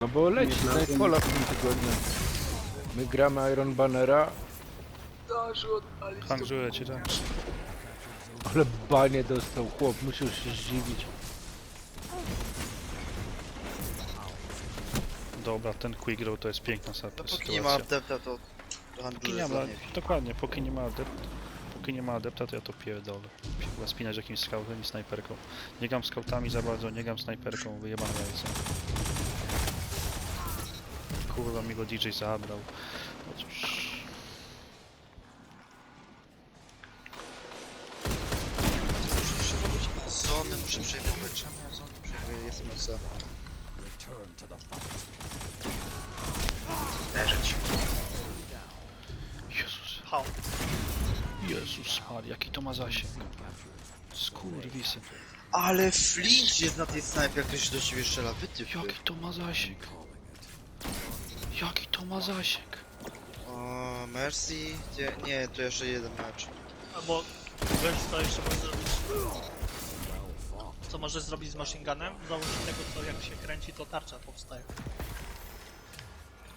No bo leci Nie Nightfalla w tym tygodniu. My gramy Iron Bannera, Handluję ci, tak? ale banie dostał chłop, musiał się zdziwić. Dobra, ten quick draw to jest piękna Dopóki nie ma sytuacja. adepta, to Póki handluję nie z ma, ładnie. dokładnie, póki nie ma adepta, to ja to pierdolę. Się chyba spinać jakimś scoutem i snajperką. Nie gram scoutami za bardzo, nie gram snajperką, wyjebane jajce. Kurwa mi go DJ zabrał. No cóż. Muszę robić zony, muszę przejmować. Czemu ja zony przejmuję? Jest moca. Leżeć. Jezus. Hał. Jezus Maria, jaki to ma zasięg. Skurwisy. Ale Flint jest na tej snajpie, jak ktoś do ciebie strzela. Wytypy. Jaki to ma zasięg. Jaki to ma zasięg. O, Mercy? Gdzie? Nie, to jeszcze jeden mecz. Albo wiesz co jeszcze możesz zrobić? Co możesz zrobić z machine gunem? Założyć tego co jak się kręci to tarcza powstaje.